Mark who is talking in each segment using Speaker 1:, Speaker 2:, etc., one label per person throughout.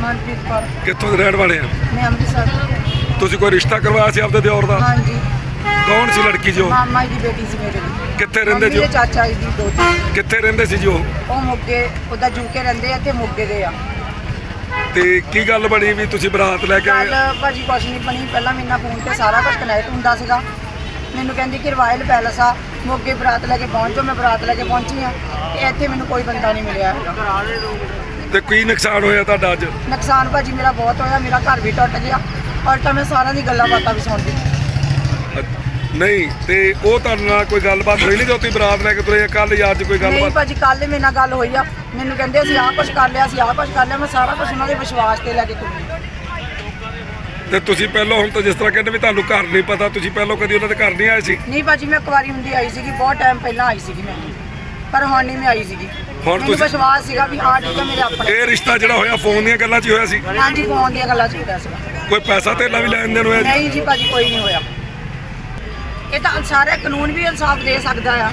Speaker 1: ਮਨਪ੍ਰੀਤ ਕੌਰ।
Speaker 2: ਕਿੱਥੋਂ ਦੇ ਰਹਿਣ ਵਾਲੇ ਆ?
Speaker 1: ਮੈਂ ਅੰਮ੍ਰਿਤਸਰ।
Speaker 2: ਤੁਸੀਂ ਕੋਈ ਰਿਸ਼ਤਾ ਕਰਵਾਇਆ ਸੀ ਆਪਦੇ ਦਿਓਰ ਦਾ?
Speaker 1: ਹਾਂਜੀ।
Speaker 2: ਕੌਣ ਸੀ ਲੜਕੀ ਜੋ?
Speaker 1: ਮਾਮਾ ਜੀ ਦੀ ਬੇਟੀ ਸੀ ਮੇਰੇ ਦੀ।
Speaker 2: ਕਿੱਥੇ ਰਹਿੰਦੇ ਜੀ?
Speaker 1: ਮੇਰੇ ਚਾਚਾ ਜੀ ਦੀ ਦੋਤੀ।
Speaker 2: ਕਿੱਥੇ ਰਹਿੰਦੇ ਸੀ ਜੀ ਉਹ?
Speaker 1: ਉਹ ਮੋਗੇ, ਉਹਦਾ ਜੂਕੇ ਰਹਿੰਦੇ ਆ ਤੇ ਮੋਗੇ ਦੇ ਆ।
Speaker 2: ਤੇ ਕੀ ਗੱਲ ਬਣੀ ਵੀ ਤੁਸੀਂ ਬਰਾਤ ਲੈ ਕੇ
Speaker 1: ਕੱਲ ਭਾਜੀ ਕੁਛ ਨਹੀਂ ਬਣੀ। ਪਹਿਲਾਂ ਮੇਰੇ ਨਾਲ ਫੋਨ ਤੇ ਸਾਰਾ ਕੁਝ ਕਨੈਕਟ ਹੁੰਦਾ ਸੀਗਾ। ਮੈਨੂੰ ਕਹਿੰਦੀ ਕਿ ਰਾਇਲ ਪੈਲਸ ਆ ਮੋਗੇ, ਬਰਾਤ ਲੈ ਕੇ ਪਹੁੰਚੋ। ਮੈਂ ਬਰਾਤ ਲੈ ਕੇ ਪਹੁੰਚੀ ਆ ਤੇ ਇੱਥੇ ਮੈਨੂੰ ਕੋਈ ਬੰਦਾ ਨਹੀਂ ਮਿਲਿਆ ਹੈਗਾ।
Speaker 2: ਤੇ ਕੀ ਨੁਕਸਾਨ ਹੋਇਆ ਤੁਹਾਡਾ ਅੱਜ?
Speaker 1: ਨੁਕਸਾਨ ਭਾਜੀ ਮੇਰਾ ਬਹੁਤ ਹੋਇਆ। ਮੇਰਾ ਘਰ ਵੀ ਟੁੱਟ ਗਿਆ ਔਰ ਤਾਂ ਮੈਂ ਸਾਰਿਆਂ ਦੀ ਗੱਲਾਂ ਬਾਤਾਂ ਵੀ ਸੁਣਦੀ।
Speaker 2: ਨਹੀਂ ਤੇ ਉਹ ਤੁਹਾਡੇ ਨਾਲ ਕੋਈ ਗੱਲਬਾਤ ਹੋਈ ਨਹੀਂ ਜੋ ਤੁਸੀਂ ਬਰਾਤ ਲੈ ਕੇ ਤੁਰੇ ਕੱਲ ਜਾਂ ਅੱਜ ਕੋਈ
Speaker 1: ਨਹੀਂ
Speaker 2: ਗੱਲਬਾਤ?
Speaker 1: ਭਾਜੀ ਕੱਲ ਮੇਰੇ ਨਾਲ ਗੱਲ ਹੋਈ ਆ। ਮੈਨੂੰ ਕਹਿੰਦੇ ਅਸੀਂ ਆਹ ਕੁਝ ਕਰ ਲਿਆ, ਅਸੀਂ ਆਹ ਕੁਝ ਕਰ ਲਿਆ। ਮੈਂ ਸਾਰਾ ਕੁਝ ਉਹਨਾਂ ਦੇ ਵਿਸ਼ਵਾਸ ਤੇ ਲੈ ਕੇ ਤੁਰੀ।
Speaker 2: ਤੇ ਤੁਸੀਂ ਪਹਿਲਾਂ ਹੁਣ ਤਾਂ ਜਿਸ ਤਰ੍ਹਾਂ ਕਹਿੰਦੇ ਵੀ ਤੁਹਾਨੂੰ ਘਰ ਨਹੀਂ ਪਤਾ, ਤੁਸੀਂ ਪਹਿਲਾਂ ਕਦੀ ਉਹਨਾਂ ਦੇ ਘਰ ਨਹੀਂ ਆਏ ਸੀ?
Speaker 1: ਨਹੀਂ ਭਾਜੀ ਮੈਂ ਕੁਵਾਰੀ ਹੁੰਦੀ ਆਈ ਸੀਗੀ, ਬਹੁਤ ਟਾਈਮ ਪਹਿਲਾਂ ਆਈ ਸੀਗੀ ਮੈਂ, ਪਰ ਹੁਣ ਨਹੀਂ ਮੈਂ ਆਈ ਸੀਗੀ।
Speaker 2: ਹੁਣ
Speaker 1: ਮੈਨੂੰ ਵਿਸ਼ਵਾਸ ਸੀਗਾ ਵੀ ਹਾਂ ਠੀਕ ਹੈ ਮੇਰੇ ਆਪਣੇ।
Speaker 2: ਇਹ ਰਿਸ਼ਤਾ ਜਿਹੜਾ ਹੋਇਆ ਫੋਨ ਦੀਆਂ ਗੱਲਾਂ 'ਚ ਹੀ ਹੋਇਆ ਸੀ?
Speaker 1: ਹਾਂਜੀ ਫੋਨ ਦੀਆਂ ਗੱਲਾਂ ਚਾਹੀਦਾ ਸੀਗਾ।
Speaker 2: ਕੋਈ ਪੈਸਾ ਧੇਲਾ ਵੀ ਲੈਣ ਦੇਣ ਹੋਇਆ ਜੀ?
Speaker 1: ਨਹੀਂ ਜੀ ਭਾਜੀ ਕੋਈ ਨਹੀਂ ਹੋਇਆ। ਇਹ ਤਾਂ ਸਾਰੇ ਕਾਨੂੰਨ ਵੀ ਇਨਸਾਫ ਦੇ ਸਕਦਾ ਆ।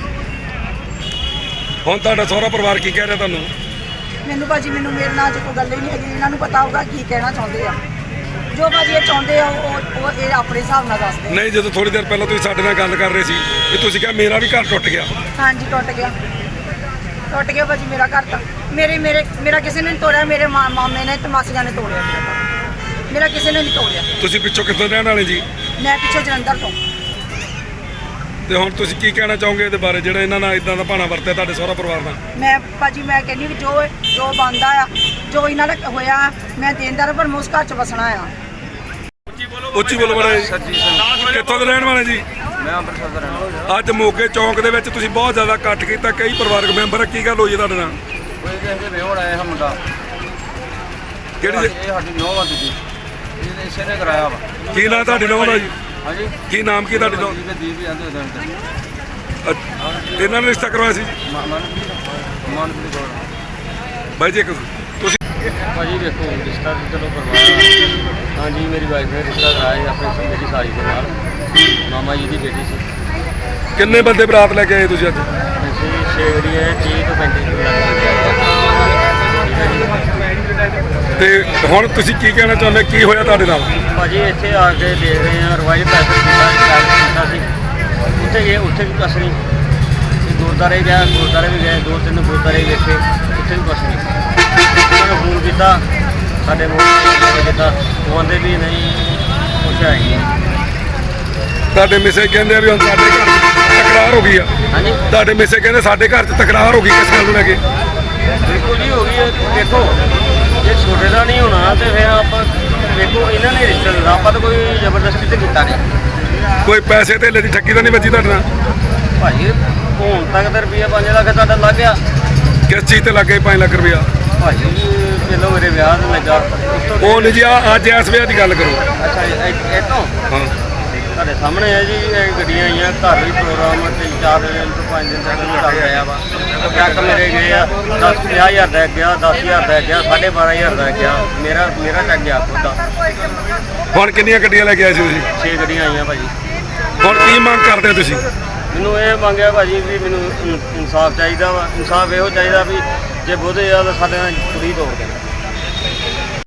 Speaker 2: ਹੁਣ ਤੁਹਾਡਾ ਸਹੁਰਾ ਪਰਿਵਾਰ ਕੀ ਕਹਿ ਰਿਹਾ ਤੁਹਾਨੂੰ?
Speaker 1: ਮੈਨੂੰ ਭਾਜੀ ਮੇਰੇ ਨਾਲ ਅੱਜ ਕੋਈ ਗੱਲ ਹੀ ਨਹੀਂ ਹੈਗੀ। ਇਹਨਾਂ ਨੂੰ ਪਤਾ ਹੋਊਗਾ ਕੀ ਕਹਿਣਾ ਚਾਹੁੰਦੇ ਆ। ਜੋ ਭਾਜੀ ਇਹ ਚਾਹੁੰਦੇ ਆ ਉਹ ਇਹ ਆਪਣੇ ਹਿਸਾਬ ਨਾਲ ਦੱਸਦੇ।
Speaker 2: ਨਹੀਂ, ਜਦੋਂ ਥੋੜੀ ਦੇਰ ਪਹਿਲਾਂ ਤੁਸੀਂ ਸਾਡੇ ਨਾਲ ਗੱਲ ਕਰ ਰਹੇ ਸੀ ਕਿ ਤੁਸੀਂ ਕਿਹਾ ਮੇਰਾ ਵੀ ਘਰ ਟੁੱਟ ਗਿਆ।
Speaker 1: ਹਾਂਜੀ ਟੁੱਟ ਗਿਆ ਭਾਜੀ ਮੇਰਾ ਘਰ ਤਾਂ। ਮੇਰਾ ਕਿਸੇ ਨੇ ਨਹੀਂ ਤੋੜਿਆ। ਮੇਰੇ ਮਾਮੇ ਨੇ ਤੇ ਮਾਸੀਆਂ ਨੇ ਤੋੜਿਆ ਮੇਰਾ ਕਿਸੇ ਨੇ ਨਹੀਂ ਤੋੜਿਆ।
Speaker 2: ਤੁਸੀਂ ਪਿੱਛੋਂ ਕਿੱਥੋਂ ਰਹਿਣ ਵਾਲੇ ਜੀ?
Speaker 1: ਮੈਂ ਪਿੱਛੋਂ ਜਲੰਧਰ ਤੋਂ।
Speaker 2: ਤੇ ਹੁਣ ਤੁਸੀਂ ਕੀ ਕਹਿਣਾ ਚਾਹੋਗੇ ਇਹਦੇ ਬਾਰੇ ਜਿਹੜਾ ਇਹਨਾਂ ਨਾਲ ਇਦਾਂ ਦਾ ਭਾਣਾ ਵਰਤਿਆ ਤੁਹਾਡੇ ਸਹੁਰਾ ਪਰਿਵਾਰ ਨਾਲ?
Speaker 1: ਮੈਂ ਭਾਜੀ ਮੈਂ ਕਹਿੰਦੀ ਵੀ ਜੋ ਬਣਦਾ ਆ, ਜੋ ਇਹਨਾਂ ਦਾ ਹੋਇਆ, ਮੈਂ ਦੇਣਦਾਰ ਪਰ ਮੈਂ ਉਸ ਘਰ 'ਚ ਵਸਣਾ ਆ।
Speaker 2: ਉੱਚੀ ਬੋਲੋ ਬੜਾ ਜੀ। ਕਿੱਥੋਂ ਦੇ ਰਹਿਣ ਵਾਲੇ ਜੀ?
Speaker 3: ਮੈਂ ਅੰਮ੍ਰਿਤਸਰ ਦਾ ਰਹਿਣ ਵਾਲਾ।
Speaker 2: ਅੱਜ ਮੋਗੇ ਚੌਂਕ ਦੇ ਵਿੱਚ ਤੁਸੀਂ ਬਹੁਤ ਜ਼ਿਆਦਾ ਇਕੱਠ ਕੀਤਾ, ਕਈ ਪਰਿਵਾਰਕ ਮੈਂਬਰ। ਕੀ ਗੱਲ ਹੋਈ ਹੈ ਤੁਹਾਡੇ ਨਾਲ?
Speaker 3: ਕੋਈ ਕਿਸੇ ਦੇ ਵਿਆਹ ਆਇਆ ਹੈ ਮੁੰਡਾ।
Speaker 2: ਕਿਹੜੀ
Speaker 3: ਇਹ ਸਾਡੀ ਨੌਂ ਆ ਦੂਜੀ। ਇਹਨੇ ਇਸੇ ਨੇ ਕਰਾਇਆ ਵਾ।
Speaker 2: ਕੀ ਨਾਂ ਤੁਹਾਡੀ ਨੌਂ ਦਾ ਜੀ?
Speaker 3: ਹਾਂਜੀ
Speaker 2: ਕੀ ਨਾਮ ਕੀ ਤੁਹਾਡੀ ਨੌਂ?
Speaker 3: ਦੀਪ ਜਾਂਦੇ ਉਹਦੇ
Speaker 2: ਇਹਨਾਂ ਨੇ ਰਿਸ਼ਤਾ ਕਰਵਾਇਆ ਸੀ?
Speaker 3: ਮਨਪ੍ਰੀਤ ਕੌਰ।
Speaker 2: ਬਾਈ ਜੀ ਤੁਸੀਂ
Speaker 3: ਭਾਜੀ ਵੇਖੋ ਰਿਸ਼ਤਾ ਤਾਂ ਚਲੋ ਕਰਵਾਇਆ। ਹਾਂਜੀ ਮੇਰੀ ਵਾਈਫ ਨੇ ਰਿਸ਼ਤਾ ਕਰਾਇਆ ਸੀ ਆਪਣੇ ਮੇਰੀ ਸਾਲੀ ਦੇ ਨਾਲ। ਮਾਮਾ ਜੀ ਦੀ ਬੇਟੀ ਸੀ।
Speaker 2: ਕਿੰਨੇ ਬੰਦੇ ਬਰਾਤ ਲੈ ਕੇ ਆਏ ਤੁਸੀਂ ਅੱਜ?
Speaker 3: ਅਸੀਂ 6 ਜਿਹੜੀ ਹੈ 30 ਤੋਂ 35
Speaker 2: ਤੇ ਹੁਣ ਤੁਸੀਂ ਕੀ ਕਹਿਣਾ ਚਾਹੁੰਦੇ? ਕੀ ਹੋਇਆ ਤੁਹਾਡੇ ਨਾਲ?
Speaker 3: ਭਾਜੀ ਇੱਥੇ ਆ ਕੇ ਦੇਖ ਰਹੇ ਹਾਂ ਰਵਾਇਲ ਪੈਸੇ ਕੀਤਾ ਸੀ। ਉੱਥੇ ਵੀ ਕੁਛ ਨਹੀਂ। ਗੁਰਦੁਆਰੇ ਗਿਆ, ਗੁਰਦੁਆਰੇ ਵੀ ਗਏ, 2-3 ਗੁਰਦੁਆਰੇ ਵੇਖੇ, ਉੱਥੇ ਵੀ ਕੁਛ ਨਹੀਂ। ਉਹਨਾਂ ਨੂੰ ਫੋਨ ਕੀਤਾ, ਸਾਡੇ ਮੋਬਾਈਲ ਕੀਤਾ, ਉਹ ਆਂਦੇ ਵੀ ਨਹੀਂ ਕੁਛ ਹੈ ਨਹੀਂ।
Speaker 2: ਤੁਹਾਡੇ ਮਿਸੇ ਕਹਿੰਦੇ ਆ ਵੀ ਹੁਣ ਸਾਡੇ ਘਰ 'ਚ ਤਕਰਾਰ ਹੋ ਗਈ ਆ।
Speaker 3: ਹਾਂਜੀ
Speaker 2: ਤੁਹਾਡੇ ਮਿਸੇ ਕਹਿੰਦੇ ਸਾਡੇ ਘਰ 'ਚ ਤਕਰਾਰ ਹੋ ਗਈ, ਕਿਸ ਗੱਲ ਨੂੰ ਲੈ ਕੇ?
Speaker 3: ਬਿਲਕੁਲ ਜੀ ਹੋ ਗਈ ਹੈ। ਦੇਖੋ ਜੇ ਛੋਟੇ ਦਾ ਨਹੀਂ ਹੋਣਾ ਤੇ ਫਿਰ ਆਪਾਂ ਵੇਖੋ ਇਹਨਾਂ ਨੇ ਰਿਸ਼ਤਾ ਦਿੱਤਾ, ਆਪਾਂ ਤਾਂ ਕੋਈ ਜ਼ਬਰਦਸਤੀ ਤੇ ਕੀਤਾ ਨਹੀਂ।
Speaker 2: ਕੋਈ ਪੈਸੇ ਧੇਲੇ ਦੀ ਠੱਗੀ ਤਾਂ ਨਹੀਂ ਵੱਜੀ ਤੁਹਾਡੇ ਨਾਲ?
Speaker 3: ਭਾਜੀ ਹੁਣ ਤੱਕ ਤਾਂ ਰੁਪਈਆ 5 ਲੱਖ ਤੁਹਾਡਾ ਲੱਗ ਗਿਆ।
Speaker 2: ਕਿਸ ਚੀਜ਼ ਤੇ ਲੱਗੇ 5 ਲੱਖ ਰੁਪਇਆ?
Speaker 3: ਭਾਜੀ ਪਹਿਲਾਂ ਮੇਰੇ ਵਿਆਹ ਤੇ ਲੱਗਾ।
Speaker 2: ਉਹ ਨਹੀਂ ਜੀ, ਅੱਜ ਇਸ ਵਿਆਹ ਦੀ ਗੱਲ ਕਰੋ।
Speaker 3: ਅੱਛਾ ਇਹ ਤੋਂ
Speaker 2: ਹਾਂ
Speaker 3: ਤੁਹਾਡੇ ਸਾਹਮਣੇ ਹੈ ਜੀ। ਇਹ ਗੱਡੀਆਂ ਆਈਆਂ, ਘਰ ਵੀ ਪ੍ਰੋਗਰਾਮ 3-4 ਦਿਨ ਤੋਂ 5 ਦਿਨ ਤੱਕ ਵੀ ਚੱਲ ਰਿਹਾ ਵਾ। ਚੈੱਕ ਮੇਰੇ ਗਏ ਆ 10-50,000 ਦਾ ਗਿਆ, 10,000 ਦਾ ਗਿਆ, 12,500 ਦਾ ਗਿਆ। ਮੇਰਾ ਚੱਕ ਗਿਆ ਖੁਦ ਦਾ।
Speaker 2: ਹੁਣ ਕਿੰਨੀਆਂ ਗੱਡੀਆਂ ਲੈ ਕੇ ਆਏ ਸੀ ਤੁਸੀਂ?
Speaker 3: 6 ਗੱਡੀਆਂ ਆਈਆਂ ਭਾਜੀ।
Speaker 2: ਹੁਣ ਕੀ ਮੰਗ ਕਰਦੇ ਹੋ ਤੁਸੀਂ?
Speaker 3: ਮੈਨੂੰ ਇਹ ਮੰਗਿਆ ਭਾਜੀ ਵੀ ਮੈਨੂੰ ਇਨਸਾਫ ਚਾਹੀਦਾ ਵਾ। ਇਨਸਾਫ ਇਹੋ ਚਾਹੀਦਾ ਵੀ ਜੇ ਬੋਧੇ ਆ ਤਾਂ ਸਾਡੇ ਨਾਲ ਕੁੜੀ ਤੋੜ ਦੇਣ।